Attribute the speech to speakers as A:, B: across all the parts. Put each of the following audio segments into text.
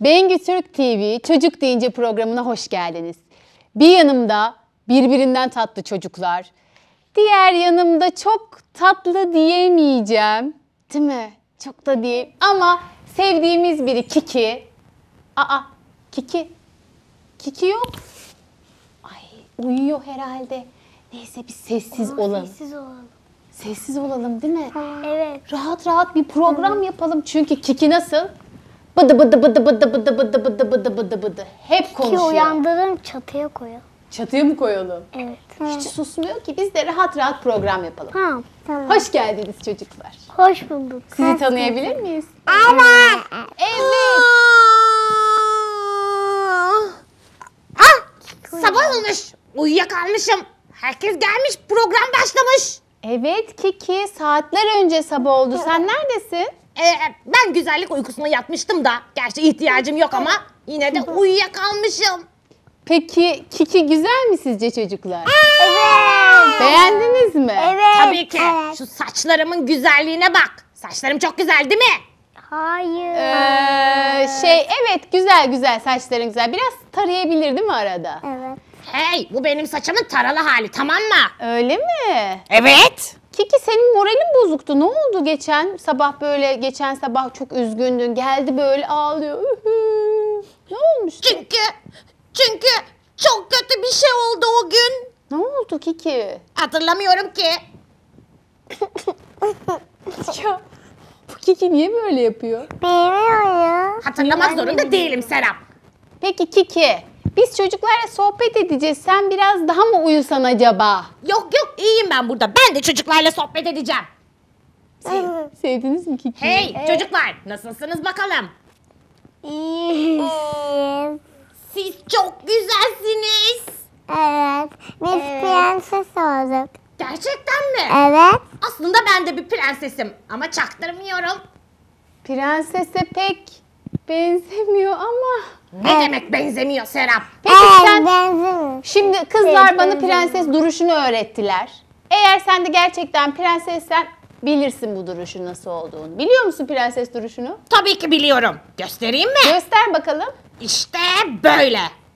A: Bengü Türk TV Çocuk Deyince programına hoş geldiniz. Bir yanımda birbirinden tatlı çocuklar. Diğer yanımda çok tatlı diyemeyeceğim. Değil mi? Çok da diyeyim. Ama sevdiğimiz biri Kiki. Kiki. Kiki yok. Ay uyuyor herhalde. Neyse biz sessiz olalım.
B: Sessiz olalım.
A: Sessiz olalım değil mi?
B: Evet.
A: Rahat rahat bir program yapalım. Çünkü Kiki nasıl? Bıdı bıdı bıdı bıdı bıdı bıdı bıdı bıdı bıdı bıdı. Hep
B: Ki
A: konuşuyor.
B: uyandırın çatıya koyalım.
A: Çatıya mı koyalım?
B: Evet.
A: Hiç susmuyor ki. Biz de rahat rahat program yapalım.
B: Tamam.
A: Hoş geldiniz çocuklar.
B: Hoş bulduk.
A: Sizi tanıyabilir miyiz?
B: Evet.
A: Evet.
C: Sabah olmuş. Uyuyakalmışım. Herkes gelmiş. Program başlamış.
A: Evet Kiki. Saatler önce sabah oldu. Sen neredesin?
C: Ben güzellik uykusuna yatmıştım da. Gerçi ihtiyacım yok ama yine de uyuyakalmışım.
A: Peki Kiki güzel mi sizce çocuklar?
B: Evet.
A: Beğendiniz mi?
B: Evet.
C: Tabii ki.
B: Evet.
C: Şu saçlarımın güzelliğine bak. Saçlarım çok güzel değil mi?
B: Hayır.
A: Evet güzel saçların güzel. Biraz tarayabilir değil mi arada?
B: Evet.
C: Hey, bu benim saçımın taralı hali, tamam mı?
A: Öyle mi?
C: Evet.
A: Kiki senin moralin bozuktu. Ne oldu geçen sabah çok üzgündün. Geldi böyle ağlıyor. Ne olmuştu?
C: Çünkü çok kötü bir şey oldu o gün.
A: Ne oldu Kiki?
C: Hatırlamıyorum ki.
A: Ya bu Kiki niye böyle yapıyor?
B: Bilmiyorum.
C: Hatırlamak zorunda değilim Serap.
A: Peki Kiki, biz çocuklarla sohbet edeceğiz. Sen biraz daha mı uyusan acaba?
C: Yok iyiyim ben burada. Ben de çocuklarla sohbet edeceğim.
A: Sevdiniz mi Kiki?
C: Hey çocuklar, nasılsınız bakalım?
B: İyi.
C: Siz çok güzelsiniz.
B: Evet. Biz prenses olduk.
C: Gerçekten mi?
B: Evet.
C: Aslında ben de bir prensesim ama çaktırmıyorum.
A: Prensese pek benzemiyor ama.
C: Ne demek benzemiyor Serap?
A: Peki sen...
B: Benzemiyor.
A: Şimdi kızlar
B: Evet,
A: bana
B: benzemiyor.
A: prenses duruşunu öğrettiler. Eğer sen de gerçekten prensessen bilirsin bu duruşun nasıl olduğunu. Biliyor musun prenses duruşunu?
C: Tabii ki biliyorum. Göstereyim mi?
A: Göster bakalım.
C: İşte böyle.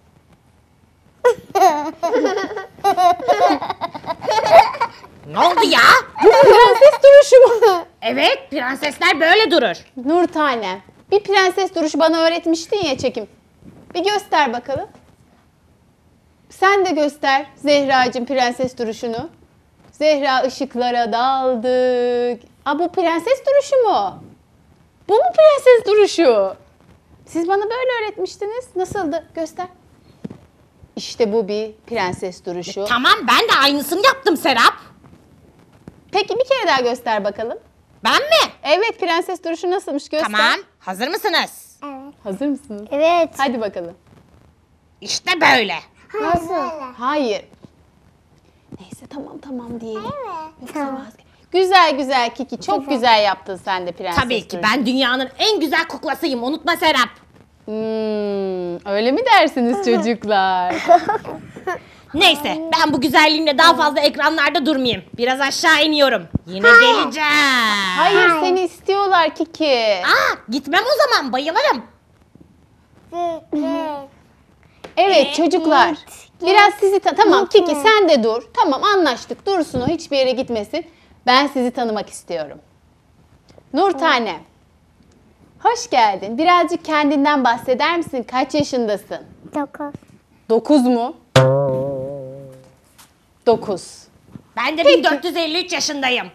C: Ne oldu ya?
A: Prenses duruşu mu?
C: Evet, prensesler böyle durur.
A: Nur Tanem, bir prenses duruşu bana öğretmiştin ya çekim. Bir göster bakalım. Sen de göster Zehracığım prenses duruşunu. Zehra ışıklara daldık. Bu prenses duruşu mu? Bu mu prenses duruşu? Siz bana böyle öğretmiştiniz. Nasıldı? Göster. İşte bu bir prenses duruşu.
C: Tamam, ben de aynısını yaptım Serap.
A: Peki bir kere daha göster bakalım.
C: Ben mi?
A: Evet prenses duruşu nasılmış göster.
C: Tamam, hazır mısınız?
B: Evet.
A: Hazır mısınız?
B: Evet.
A: Hadi bakalım.
C: İşte böyle.
B: Nasıl?
A: Hayır. Neyse tamam diyelim.
B: Evet.
A: Yoksa Güzel Kiki. Çok güzel yaptın sen de prenses
C: Tabii ki
A: duruşu.
C: ben dünyanın en güzel kuklasıyım. Unutma Serap.
A: Öyle mi dersiniz çocuklar?
C: Neyse ben bu güzelliğimle daha fazla ekranlarda durmayayım. Biraz aşağı iniyorum. Yine geleceğim.
A: Hayır seni istiyorlar Kiki.
C: Gitmem o zaman, bayılırım.
A: Evet çocuklar. Biraz sizi tamam Kiki sen de dur. Tamam anlaştık. Dursun o hiçbir yere gitmesin. Ben sizi tanımak istiyorum. Nur Tane. Hoş geldin. Birazcık kendinden bahseder misin? Kaç yaşındasın?
B: 9.
A: 9 mu? 9.
C: Ben de 1453 yaşındayım.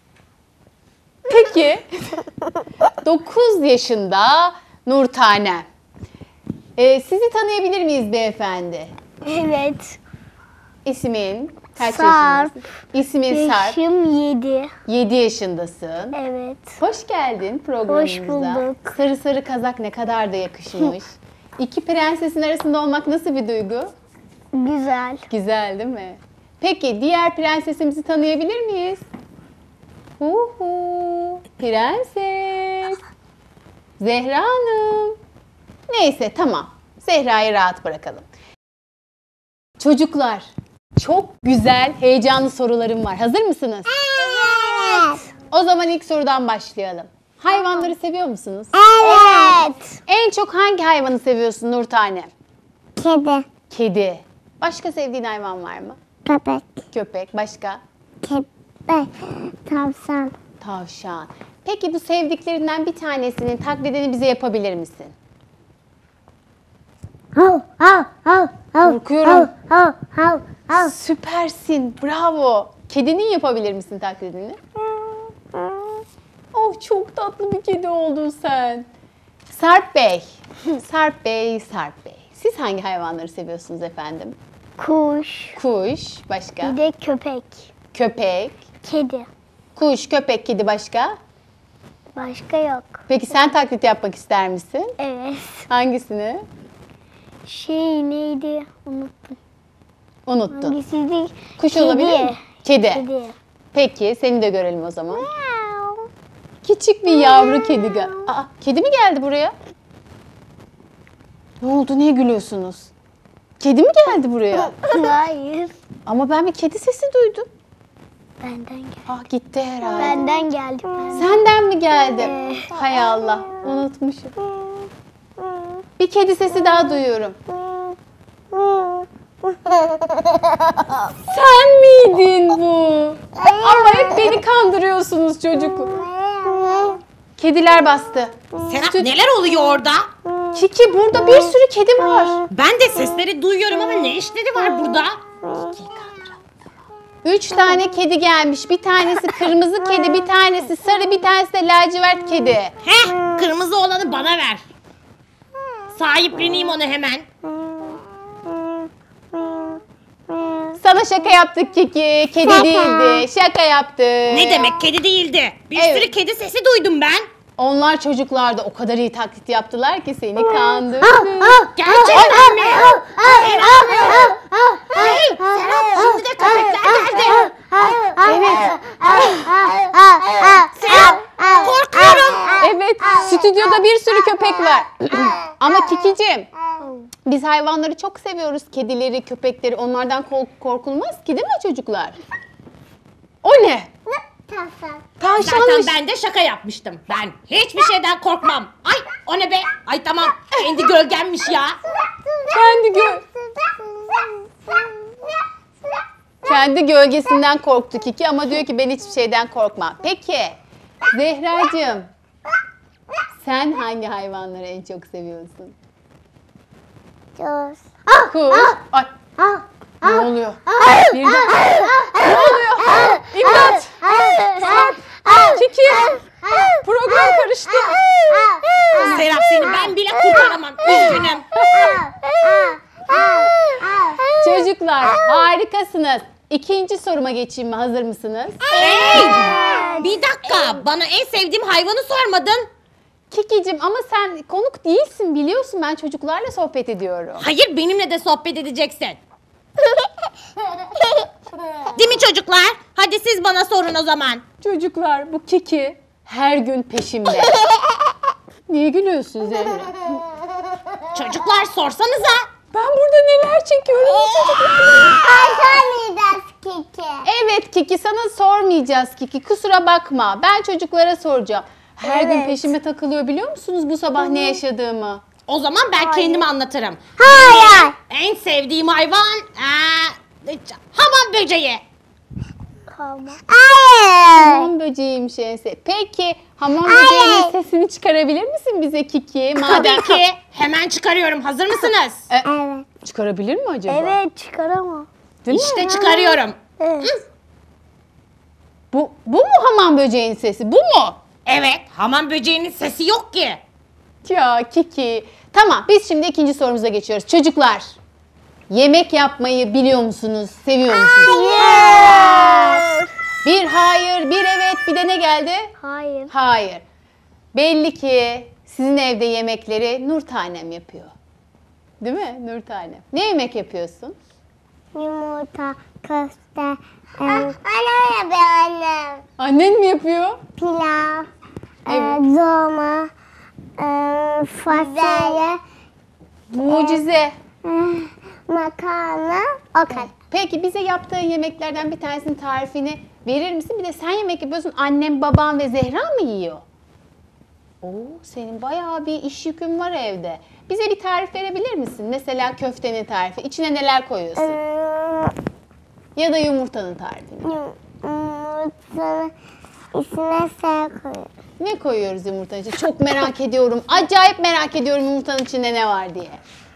A: Peki. 9 yaşında Nur Tane. Sizi tanıyabilir miyiz beyefendi?
B: Evet.
A: İsmin kaç
B: Sarp.
A: yaşındasın? İsmin Sarp.
B: Yaşım 7.
A: 7 yaşındasın.
B: Evet.
A: Hoş geldin programımıza.
B: Hoş bulduk.
A: Sarı sarı kazak ne kadar da yakışmış. İki prensesin arasında olmak nasıl bir duygu?
B: Güzel.
A: Güzel değil mi? Peki diğer prensesimizi tanıyabilir miyiz? Prenses. Zehra Hanım. Neyse tamam. Zehra'yı rahat bırakalım. Çocuklar çok güzel heyecanlı sorularım var. Hazır mısınız?
B: Evet.
A: O zaman ilk sorudan başlayalım. Hayvanları seviyor musunuz?
B: Evet.
A: En çok hangi hayvanı seviyorsun Nurtane?
B: Kedi.
A: Kedi. Başka sevdiğin hayvan var mı?
B: Köpek.
A: Köpek. Başka?
B: Köpek. Tavşan.
A: Tavşan. Peki bu sevdiklerinden bir tanesinin taklidini bize yapabilir misin?
B: Hav hav hav hav.
A: Korkuyorum.
B: Hav hav hav.
A: Süpersin. Bravo. Kedinin yapabilir misin taklidini? Oh, çok tatlı bir kedi oldun sen. Sarp Bey. Sarp Bey, Sarp Bey. Siz hangi hayvanları seviyorsunuz efendim?
B: Kuş.
A: Kuş. Başka?
B: Bir de köpek.
A: Köpek.
B: Kedi.
A: Kuş, köpek, kedi başka?
B: Başka yok.
A: Peki sen taklit yapmak ister misin?
B: Evet.
A: Hangisini?
B: Neydi? Unuttum.
A: Unuttun.
B: Hangisiydi?
A: Kuş
B: Kedi.
A: olabilir mi? Kedi.
B: Kedi.
A: Peki seni de görelim o zaman. Küçük bir yavru kedi. Aa, kedi mi geldi buraya? Ne oldu? Niye gülüyorsunuz? Kedi mi geldi buraya?
B: Hayır.
A: Ama ben bir kedi sesi duydum.
B: Benden geldi.
A: Ah, gitti herhalde.
B: Benden geldi.
A: Senden mi geldi? Hay Allah, unutmuşum. Bir kedi sesi daha duyuyorum. Sen miydin bu? Ama hep beni kandırıyorsunuz çocuk. Kediler bastı.
C: Serap neler oluyor orada?
A: Kiki, burada bir sürü kedi var.
C: Ben de sesleri duyuyorum ama ne işleri var burada?
A: 3 tane kedi gelmiş. Bir tanesi kırmızı kedi, bir tanesi sarı, bir tanesi de lacivert kedi.
C: Heh, kırmızı olanı bana ver. Sahipleneyim onu hemen.
A: Sana şaka yaptık Kiki. Kedi değildi. Şaka yaptık.
C: Ne demek kedi değildi? Bir
A: Evet.
C: sürü kedi sesi duydum ben.
A: Onlar çocuklar da o kadar iyi taklit yaptılar ki seni kandırdı.
C: Gerçekten mi? Hey Serap şimdi de köpekler geldi.
A: Evet.
C: Serap korkuyorum.
A: Evet. Stüdyoda bir sürü köpek var. Ama Kikicim, biz hayvanları çok seviyoruz. Kedileri, köpekleri. Onlardan korkulmaz ki, değil mi çocuklar? O ne?
C: Zaten
A: Tavşanmış.
C: ben de şaka yapmıştım. Ben hiçbir şeyden korkmam. Ay o ne be? Ay tamam kendi gölgemmiş ya.
A: Kendi gölgesinden korktu Kiki ama diyor ki ben hiçbir şeyden korkmam. Peki Zehracığım, sen hangi hayvanları en çok seviyorsun? Kuş. Ay, ne oluyor? Birden. Ne oluyor? İmdat! Kiki! Program karıştı.
C: Serap seni ben bile kurtaramam. Üzgünüm.
A: Çocuklar harikasınız. İkinci soruma geçeyim mi? Hazır mısınız?
C: Hey! Bir dakika bana en sevdiğim hayvanı sormadın.
A: Kikicim, ama sen konuk değilsin, biliyorsun, ben çocuklarla sohbet ediyorum.
C: Hayır benimle de sohbet edeceksin. Değil mi çocuklar? Hadi siz bana sorun o zaman.
A: Çocuklar, bu Kiki her gün peşimde. Niye gülüyorsun Zehra?
C: Çocuklar sorsanıza.
A: Ben burada neler çekiyorum Evet Kiki, sana sormayacağız Kiki, kusura bakma. Ben çocuklara soracağım. Her gün peşime takılıyor, biliyor musunuz bu sabah ne yaşadığımı?
C: O zaman ben kendim anlatırım.
B: Hayır.
C: En sevdiğim hayvan hamam böceği.
B: Hayır.
A: Hamam böceğiymiş en Peki hamam böceğinin sesini çıkarabilir misin bize Kiki?
C: Tabii ki. Hemen çıkarıyorum. Hazır mısınız?
B: Evet.
A: Çıkarabilir mi acaba?
B: Evet çıkaramam.
A: Değil mi?
C: İşte çıkarıyorum.
B: Evet.
A: Bu mu hamam böceğinin sesi? Bu mu?
C: Evet. Hamam böceğinin sesi yok ki.
A: Ya Kiki. Tamam, biz şimdi ikinci sorumuza geçiyoruz. Çocuklar, yemek yapmayı biliyor musunuz? Seviyor musunuz? Bir hayır, bir evet, bir de ne geldi?
B: Hayır.
A: Hayır. Belli ki sizin evde yemekleri Nurtanem yapıyor. Değil mi Nurtanem? Ne yemek yapıyorsun?
B: Yumurta, köfte, annem yapıyor annem.
A: Annen mi yapıyor?
B: Pilav,
A: Evet.
B: dolma, fasulye,
A: Mucize.
B: makarna, o kadar.
A: Peki bize yaptığın yemeklerden bir tanesinin tarifini verir misin? Bir de sen yemek yapıyorsun, annem, babam ve Zehra mı yiyor? Oo, senin bayağı bir iş yükün var evde. Bize bir tarif verebilir misin? Mesela köftenin tarifi. İçine neler koyuyorsun? Ya da yumurtanın tarifini.
B: Yumurtanın içine şey koyuyorum.
A: Ne koyuyoruz yumurtanın içine? Çok merak ediyorum. Acayip merak ediyorum yumurtanın içinde ne var diye.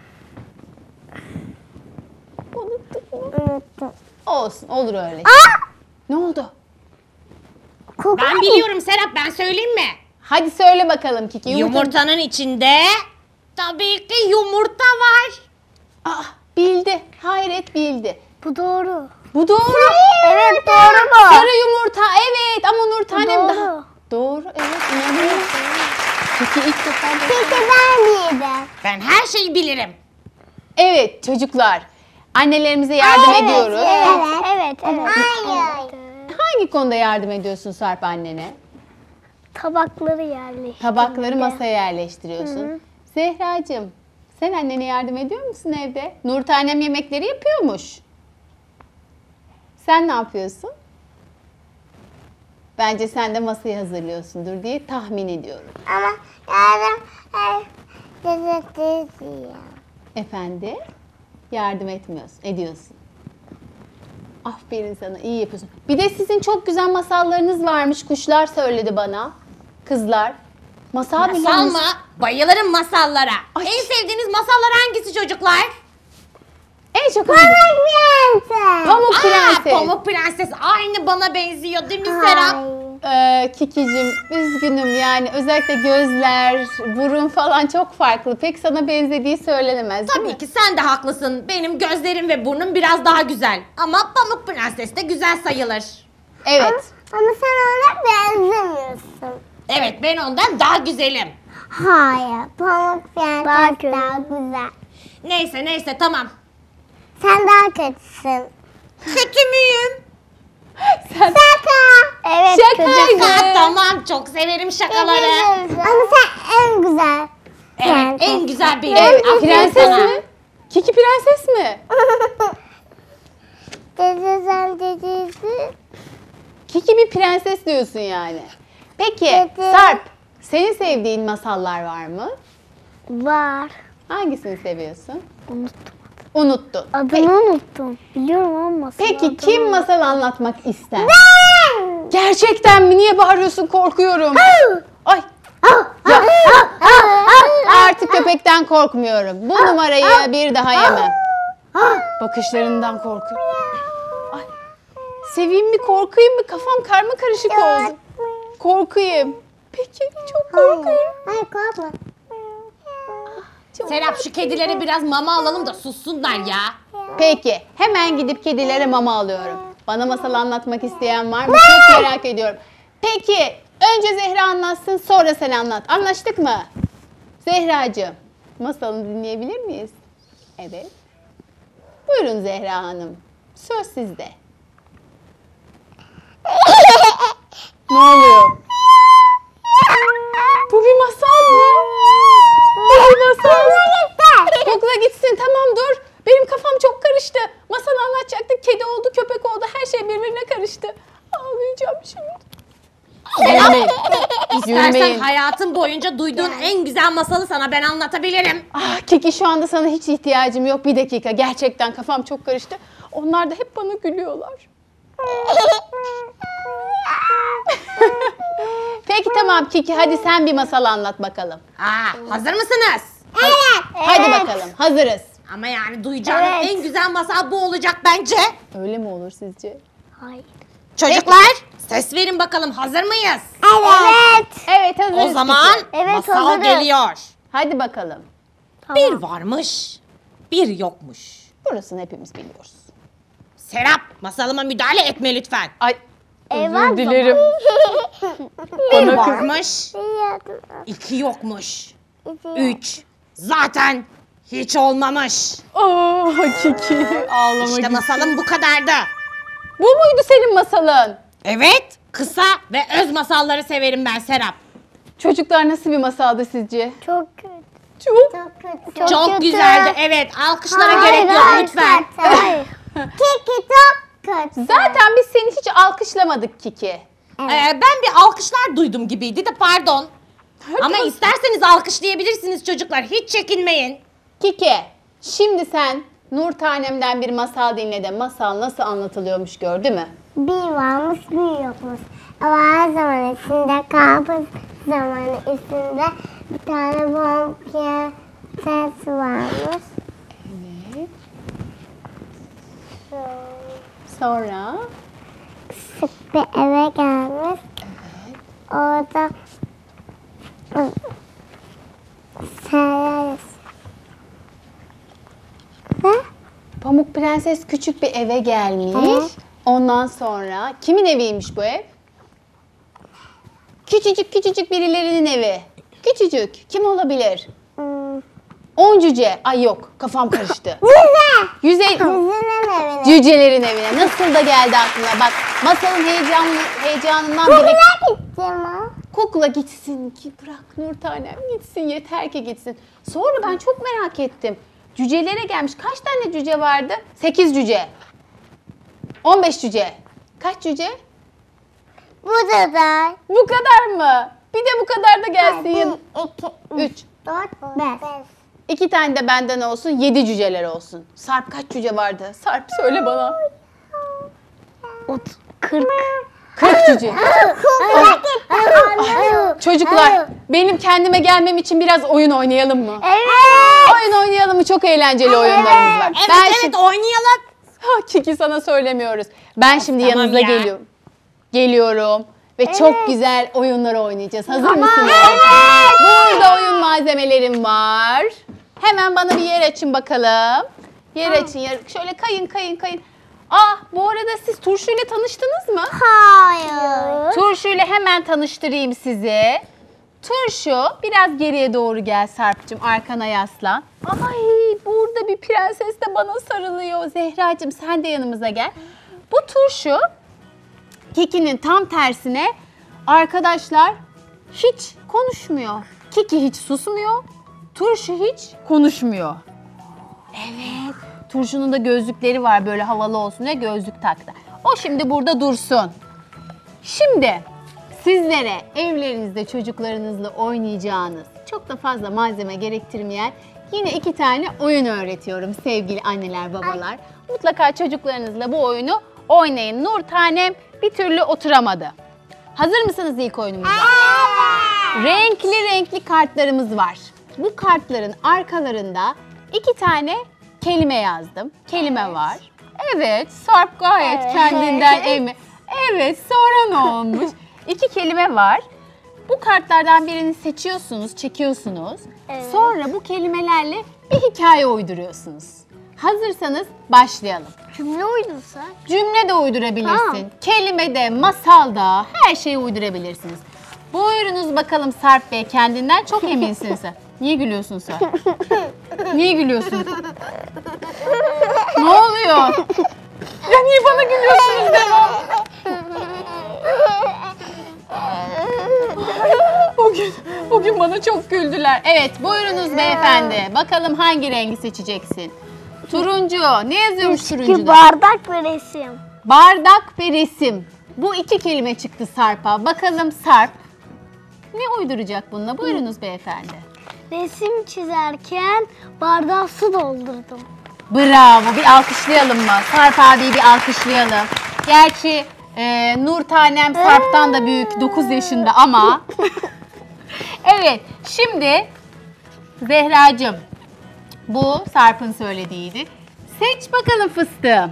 A: Unuttuk mu?
B: Unuttum.
A: Olsun, olur öyle. Ne oldu?
C: Ben biliyorum Serap, ben söyleyeyim mi?
A: Hadi söyle bakalım Kiki.
C: Yumurtanın içinde tabii ki yumurta var.
A: Bildi. Hayret bildi.
B: Bu doğru.
A: Bu doğru.
B: Evet doğru bu.
A: Sarı yumurta. Evet ama Nur tanem
B: doğru.
A: daha. Doğru. Evet. İnanıyorum. Kiki ilk defa.
B: Peki ben miydim?
C: Ben her şeyi bilirim.
A: Evet çocuklar. Annelerimize yardım ediyoruz.
B: Evet. Hayır.
A: Hangi konuda yardım ediyorsun Sarp annene?
B: Tabakları yerleştirdim.
A: Tabakları masaya yerleştiriyorsun. Zehracığım, sen annene yardım ediyor musun evde? Nur tanem yemekleri yapıyormuş. Sen ne yapıyorsun? Bence sen de masayı hazırlıyorsundur diye tahmin ediyorum.
B: Ama yardım gazetesi ya.
A: Efendi, yardım etmiyorsun, ediyorsun. Aferin sana, iyi yapıyorsun. Bir de sizin çok güzel masallarınız varmış. Kuşlar söyledi bana. Kızlar. Masal biliyor
C: Masal
A: musun?
C: mı? Bayılırım masallara.
A: Ay.
C: En sevdiğiniz masallar hangisi çocuklar?
A: En çok
B: Prenses.
A: Pamuk Prenses.
C: Pamuk Prenses aynı bana benziyor değil mi Serap?
A: Kikicim üzgünüm yani özellikle gözler, burun falan çok farklı. Pek sana benzediği söylenemez değil mi?
C: Tabii ki sen de haklısın. Benim gözlerim ve burnum biraz daha güzel. Ama Pamuk Prenses de güzel sayılır.
A: Evet.
B: Ama sen ona benzemiyorsun.
C: Evet, ben ondan daha güzelim.
B: Hayır. Pamuk Prenses daha güzel.
C: Neyse tamam.
B: Sen daha kötüsün.
C: Kötü müyüm?
A: Sen
B: Evet.
A: şakaydı.
C: Tamam, çok severim şakaları.
B: Ama sen en güzel.
C: Evet, en güzel benim.
A: Evet,
C: Aferin
A: prenses
C: sana.
A: mi? Kiki prenses mi?
B: Dedesi.
A: Kiki bir prenses diyorsun yani. Peki
B: Evet.
A: Sarp, senin sevdiğin masallar var mı?
B: Var.
A: Hangisini seviyorsun?
B: Unuttum.
A: Unuttun.
B: Adını unuttum. Biliyorum ama
A: Peki kim masal anlatmak ister? Gerçekten mi? Niye bağırıyorsun? Korkuyorum. Ay. Ya. Artık köpekten korkmuyorum. Bu numarayı bir daha yemem. Bakışlarından korkuyorum. Ay. Seveyim mi, korkayım mı? Kafam karma karışık oldu. Korkayım. Peki, çok korkuyorum.
B: Hayır korkma.
A: Çok
C: Serap, şu kedilere biraz mama alalım da sussunlar ya.
A: Peki, hemen gidip kedilere mama alıyorum. Bana masal anlatmak isteyen var mı? Çok merak ediyorum. Peki, önce Zehra anlatsın, sonra sen anlat. Anlaştık mı? Zehracığım, masalını dinleyebilir miyiz? Evet. Buyurun Zehra Hanım. Söz sizde. Ne oluyor? Bu bir masal mı? Bu bir masal mı? Okula gitsin, tamam dur. Benim kafam çok karıştı. Masal anlatacaktık. Kedi oldu, köpek oldu. Her şey birbirine karıştı. Ağlayacağım şimdi. Gülmeyin.
C: İstersen
A: Gülmeyin.
C: hayatın boyunca duyduğun en güzel masalı sana ben anlatabilirim.
A: Ah Kiki, şu anda sana hiç ihtiyacım yok. Bir dakika. Gerçekten kafam çok karıştı. Onlar da hep bana gülüyorlar. Peki tamam Kiki, hadi sen bir masal anlat bakalım.
C: Hazır mısınız?
A: Hadi bakalım. Hazırız.
C: Ama yani duyacağınız
B: Evet.
C: en güzel masal bu olacak bence.
A: Öyle mi olur sizce?
B: Hayır.
C: Çocuklar, ses verin bakalım, hazır mıyız?
B: Evet.
A: Evet, hazırız
C: O zaman
A: Kiki.
B: Evet,
C: masal
B: hazırız.
C: geliyor.
A: Hadi bakalım.
C: Bir varmış, bir yokmuş.
A: Burasını hepimiz biliyoruz.
C: Serap, masalıma müdahale etme lütfen.
A: Ay,
B: Eyvah,
A: özür dilerim.
C: Bir
A: Bana kız-
C: varmış, iki yokmuş. Üç, zaten hiç olmamış.
A: Kiki, ağlamak
C: İşte
A: istiyorum.
C: masalım bu kadardı.
A: Bu muydu senin masalın?
C: Evet, kısa ve öz masalları severim ben Serap.
A: Çocuklar, nasıl bir masaldı sizce?
B: Çok kötü.
A: Çok.
B: Çok kötü.
C: Çok güzeldi, evet. Alkışlara gerek yok lütfen.
B: Hayır. Kiki çok kötü.
A: Zaten biz seni hiç alkışlamadık Kiki.
C: Ben bir alkışlar duydum gibiydi de pardon. Ama isterseniz alkışlayabilirsiniz çocuklar. Hiç çekinmeyin.
A: Kiki, şimdi sen Nur Tanem'den bir masal dinle de masal nasıl anlatılıyormuş gör, değil mi?
B: Bir varmış bir yokmuş. Ama her zaman içinde kabus zamanı üstünde bir tane prenses varmış.
A: Evet. Sonra?
B: Sık bir eve gelmiş. Orada seyrediyoruz. Ne?
A: Pamuk Prenses küçük bir eve gelmiş.
B: Evet.
A: Ondan sonra kimin eviymiş bu ev? Küçücük birilerinin evi. Küçücük. Kim olabilir? 10 cüce. Ay yok, kafam karıştı.
B: Yüze!
A: Yüze
B: Yüzünün evine.
A: cücelerin evine. Nasıl da geldi aklına. Bak, masalın heyecanından bile
B: Kukula gitti ama.
A: kukla gitsin ki, bırak Nur Tanem gitsin, yeter ki gitsin. Sonra ben çok merak ettim. Cücelere gelmiş. Kaç tane cüce vardı? 8 cüce. 15 cüce. Kaç cüce?
B: Bu da.
A: Bu kadar mı? Bir de bu kadar da gelsin.
B: 2,
A: 3.
B: 4, 5.
A: 2 tane de benden olsun, 7 cüceler olsun. Sarp kaç cüce vardı? Sarp söyle bana.
B: 40.
A: 40 cüce. Çocuklar, benim kendime gelmem için biraz oyun oynayalım mı?
B: Evet.
A: Oyun oynayalım mı? Çok eğlenceli oyunlarımız var.
C: Evet
A: Ben
C: evet
A: şimdi...
C: oynayalım.
A: Kiki sana söylemiyoruz. Ben şimdi
C: Tamam
A: yanınıza
C: ya.
A: geliyorum. Geliyorum ve çok güzel oyunlar oynayacağız. Hazır mısınız? Burada oyun malzemelerim var. Hemen bana bir yer açın bakalım. Yer açın. Şöyle kayın. Bu arada siz turşuyla tanıştınız mı?
B: Hayır.
A: Turşuyla hemen tanıştırayım sizi. Turşu biraz geriye doğru gel Sarp'cığım, arkana yaslan. Ay, burada bir prenses de bana sarılıyor. Zehracığım sen de yanımıza gel. Bu Turşu Kiki'nin tam tersine arkadaşlar hiç konuşmuyor. Kiki hiç susmuyor. Turşu hiç konuşmuyor. Evet. Turşu'nun da gözlükleri var, böyle havalı olsun diye gözlük taktı. O şimdi burada dursun. Şimdi sizlere evlerinizde çocuklarınızla oynayacağınız, çok da fazla malzeme gerektirmeyen yine 2 tane oyun öğretiyorum sevgili anneler babalar. Mutlaka çocuklarınızla bu oyunu oynayın. Nur Tanem bir türlü oturamadı. Hazır mısınız ilk oyunumuza? Renkli kartlarımız var. Bu kartların arkalarında 2 tane kelime yazdım. Kelime var. Evet, Sarp gayet kendinden emin. Evet, sonra ne olmuş? 2 kelime var. Bu kartlardan birini seçiyorsunuz, çekiyorsunuz.
B: Evet.
A: Sonra bu kelimelerle bir hikaye uyduruyorsunuz. Hazırsanız başlayalım.
B: Cümle uydursa.
A: Cümle de uydurabilirsin.
B: Tamam.
A: Kelime de, masal da, her şeyi uydurabilirsiniz. Buyurunuz bakalım Sarp Bey, kendinden çok eminsiniz. Niye gülüyorsun sen? Niye gülüyorsun? Ne oluyor? Ya niye bana gülüyorsunuz devam? Bugün bana çok güldüler. Evet, buyurunuz beyefendi. Bakalım hangi rengi seçeceksin? Turuncu. Ne yazıyormuş turuncuda?
B: Bardak ve resim.
A: Bardak ve resim. Bu 2 kelime çıktı Sarp'a. Bakalım Sarp ne uyduracak bununla? Buyurunuz beyefendi.
B: Resim çizerken bardağa su doldurdum.
A: Bravo. Bir alkışlayalım mı? Sarp abiyi bir alkışlayalım. Gerçi Nur Tanem Sarp'tan da büyük, 9 yaşında ama. Evet, şimdi Zehracığım, bu Sarp'ın söylediğiydi. Seç bakalım fıstığım.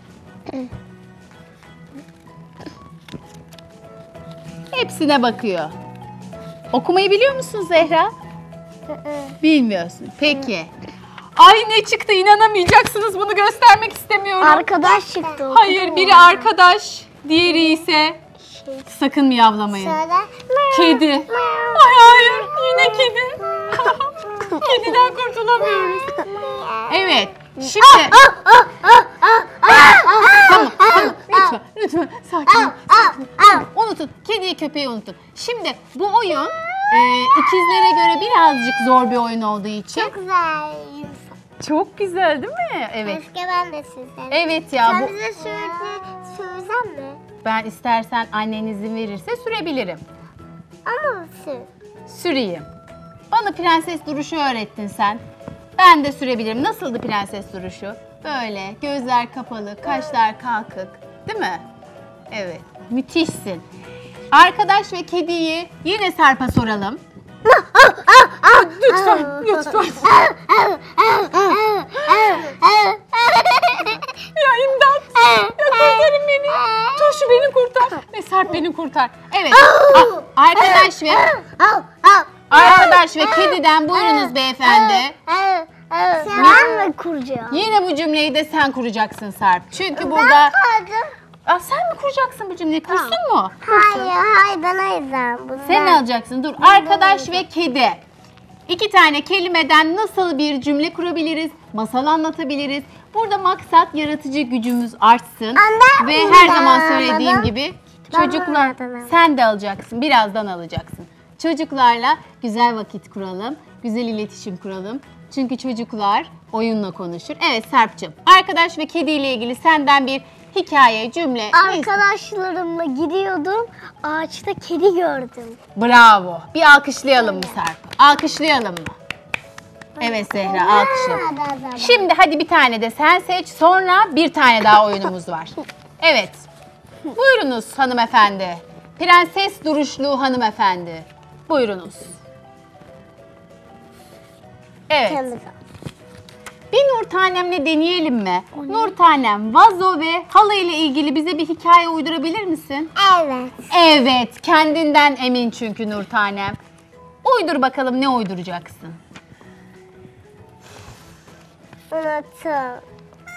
A: Hepsine bakıyor. Okumayı biliyor musun Zehra? Bilmiyorsun. Peki. Ay ne çıktı, inanamayacaksınız, bunu göstermek istemiyorum.
B: Arkadaş çıktı.
A: Hayır, biri arkadaş, diğeri ise sakın miyavlamayın.
B: Söyle.
A: Kedi. Ay hayır, yine kedi. Kediden kurtulamıyoruz. Evet, şimdi... Tamam, lütfen sakin ol. Unutun, kediyi köpeği unutun. Şimdi bu oyun ikizlere göre birazcık zor bir oyun olduğu için.
B: Çok güzel.
A: Çok güzel değil mi? Evet.
B: Keşke ben de sizden.
A: Evet ya,
B: Sen
A: bu
B: bize sürsem mi?
A: ben istersen annen izin verirse sürebilirim.
B: Ama sür.
A: süreyim. Bana prenses duruşu öğrettin sen. Ben de sürebilirim. Nasıldı prenses duruşu? Böyle gözler kapalı, kaşlar kalkık. Değil mi? Evet. Müthişsin. Arkadaş ve kediyi yine Sarp'a soralım. Lütfen. Ya imdat. Ya kurtarın beni. Turşu beni kurtar. Ve Sarp beni kurtar. Evet. Arkadaş ve kediden buyurunuz beyefendi.
B: Sen mi kuracaksın?
A: Yine bu cümleyi de sen kuracaksın Sarp. Çünkü burada...
B: Kurdum.
A: Aa, sen mi kuracaksın bu cümleyi? Kursun mu?
B: Hayır ben ayıracağım bunu.
A: Sen alacaksın. Dur. Arkadaş ve kedi. 2 tane kelimeden nasıl bir cümle kurabiliriz? Masal anlatabiliriz. Burada maksat yaratıcı gücümüz artsın.
B: Anne,
A: Ve her zaman
B: ben
A: söylediğim
B: almadım.
A: gibi
B: Ben
A: çocuklar
B: almadım.
A: sen de alacaksın. Birazdan alacaksın. Çocuklarla güzel vakit kuralım. Güzel iletişim kuralım. Çünkü çocuklar oyunla konuşur. Evet Serpcığım. Arkadaş ve kediyle ilgili senden bir hikaye, cümle.
B: Arkadaşlarımla gidiyordum. Ağaçta kedi gördüm.
A: Bravo. Bir alkışlayalım mı Serp? Alkışlayalım mı? Evet Zehra, alkışlayalım. Şimdi hadi bir tane de sen seç. Sonra bir tane daha oyunumuz var. Evet. Buyurunuz hanımefendi. Prenses duruşlu hanımefendi. Buyurunuz. Evet. Bir Nur Tanem'le deneyelim mi? Nur Tanem, vazo ve halı ile ilgili bize bir hikaye uydurabilir misin?
B: Evet.
A: Evet, kendinden emin çünkü Nur Tanem. Uydur bakalım, ne uyduracaksın?
B: Unuttum.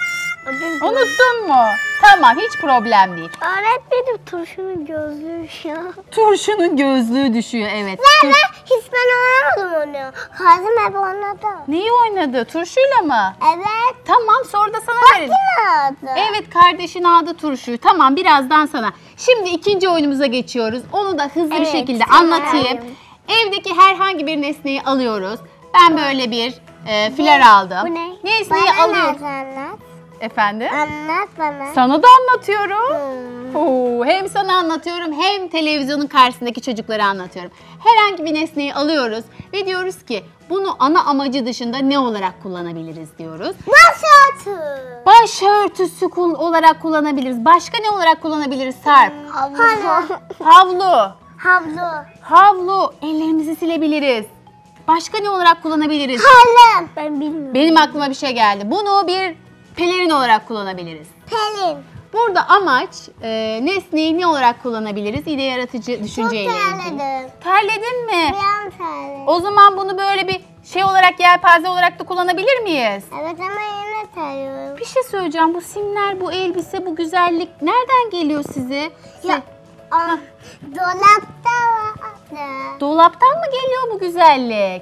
A: Unuttun mu? Tamam, hiç problem değil.
B: Öğretmenim turşunun gözlüğü ya.
A: Turşunun gözlüğü düşüyor, evet.
B: Hiç ben oynamadım onu. Kazım hep oynadı.
A: Neyi oynadı? Turşuyla mı?
B: Evet.
A: Tamam, sonra da sana verelim.
B: Oynadı.
A: Evet, kardeşin aldı turşuyu. Tamam, birazdan sana. Şimdi ikinci oyunumuza geçiyoruz. Onu da hızlı bir
B: Evet,
A: şekilde
B: tamam.
A: anlatayım. Evdeki herhangi bir nesneyi alıyoruz. Ben böyle bir fler aldım.
B: Bu ne?
A: Nesneyi
B: Bana
A: alıyorum.
B: anlat.
A: Efendim?
B: Anlat bana.
A: Sana da anlatıyorum. Oo, hem sana anlatıyorum hem televizyonun karşısındaki çocuklara anlatıyorum. Herhangi bir nesneyi alıyoruz ve diyoruz ki bunu ana amacı dışında ne olarak kullanabiliriz diyoruz.
B: Başörtü.
A: Başörtüsü olarak kullanabiliriz. Başka ne olarak kullanabiliriz Sarp?
B: Havlu.
A: Havlu.
B: Havlu.
A: Havlu. Ellerimizi silebiliriz. Başka ne olarak kullanabiliriz?
B: Kalem. Ben bilmiyorum.
A: Benim aklıma bir şey geldi. Bunu bir pelerin olarak kullanabiliriz.
B: Pelin.
A: Burada amaç nesneyi ne olarak kullanabiliriz? İde yaratıcı düşünceyle
B: Çok
A: ilgili.
B: terledim.
A: Terledin mi?
B: Ben terledim.
A: O zaman bunu böyle bir şey olarak, yelpaze olarak da kullanabilir miyiz?
B: Evet ama yine terliyorum.
A: Bir şey söyleyeceğim. Bu simler, bu elbise, bu güzellik nereden geliyor size?
B: Ya, dolapta vardı.
A: Dolaptan mı geliyor bu güzellik?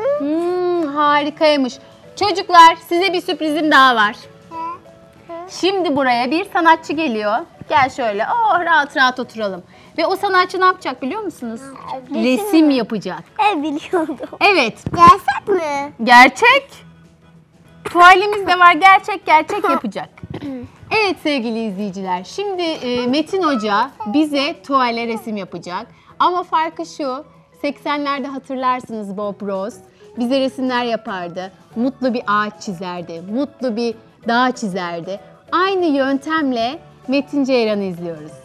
A: Harikaymış. Çocuklar, size bir sürprizim daha var. Şimdi buraya bir sanatçı geliyor. Gel şöyle, rahat rahat oturalım. Ve o sanatçı ne yapacak biliyor musunuz? Resim yapacak.
B: Biliyordum.
A: Evet,
B: Gerçek mi?
A: gerçek. Tuvalimiz de var, gerçek yapacak. Evet sevgili izleyiciler, şimdi Metin Hoca bize tuvale resim yapacak. Ama farkı şu, 80'lerde hatırlarsınız Bob Ross bize resimler yapardı. Mutlu bir ağaç çizerdi, mutlu bir dağ çizerdi. Aynı yöntemle Metin Ceyran'ı izliyoruz.